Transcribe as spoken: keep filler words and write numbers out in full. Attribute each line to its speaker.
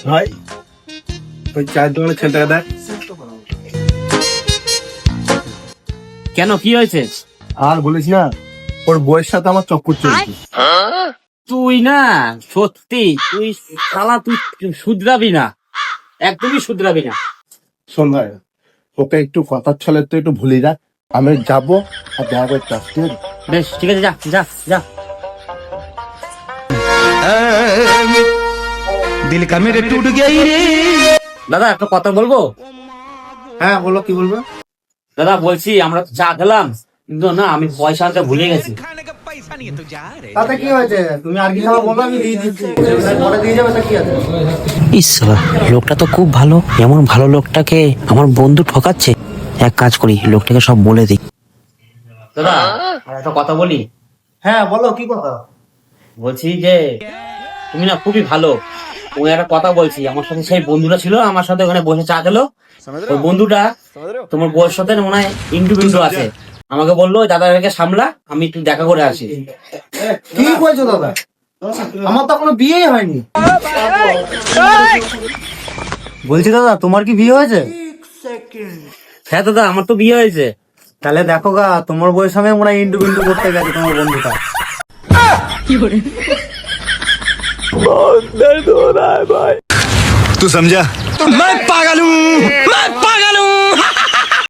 Speaker 1: ভাই ওই চার দোকানের ছেলেটাকে দেখ।
Speaker 2: কেন, কি হয়েছে?
Speaker 1: আর বলিস না, ওর বউয়ের সাথে আমার চক্কর চলছে।
Speaker 2: তুই না সত্যি তুই শালা তুই শুধরাবি না, একদমই শুধরাবি না।
Speaker 1: শোন ভাই, ওকে একটু কথার ছলে তো একটু ভুলে যা। আমি যাবো আর দেখা করতে আসছি।
Speaker 2: বেশ ঠিক আছে, যা যা যা।
Speaker 3: दिल का मेरे टूट गया ही रे।
Speaker 2: দাদা একটা কথা বলবো?
Speaker 1: হ্যাঁ বলো, কি বলবে?
Speaker 2: দাদা বলছি আমরা তো চা খেলাম, কিন্তু না আমি পয়সা আনতে ভুলে গেছি।
Speaker 1: তাতে কি হয়েছে? তুমি আর কি খাবার বলো, আমি দিয়ে দিচ্ছি। পরে দিয়ে যাবে, তা কি আছে?
Speaker 4: ইস শালা, লোকটা তো খুব ভালো। এমন ভালো লোকটাকে আমার বন্ধু ঠকাচ্ছে। এক কাজ করি, লোকটাকে সব বলে দিই।
Speaker 2: দাদা আর একটা কথা বলি।
Speaker 1: হ্যাঁ বলো, কি কথা?
Speaker 2: বলছি যে তুমি না খুবই ভালো। ওই একটা কথা বলছি, আমার সাথে সেই বন্ধুটা ছিল আমার সাথে ওখানে বসে চা খেলো, ওই বন্ধুটা তোমার বউয়ের সাথে মনে হয় ইন্টু বিন্টু আছে। আমাকে বললো দাদাকে সামলা, আমি একটু দেখা করে আসি।
Speaker 1: কি বলছো দাদা? আমার তো কোনো বিয়েই হয়নি। বলছি দাদা, তোমার কি বিয়ে হয়েছে?
Speaker 2: হ্যাঁ দাদা আমার তো বিয়ে হয়েছে।
Speaker 1: তাহলে দেখো গা, তোমার বউয়ের সঙ্গে মনে হয় ইন্টু বিন্টু করতে গেছে তোমার বন্ধুটা।
Speaker 3: तू समझा? मैं पागल हूँ, मैं पागल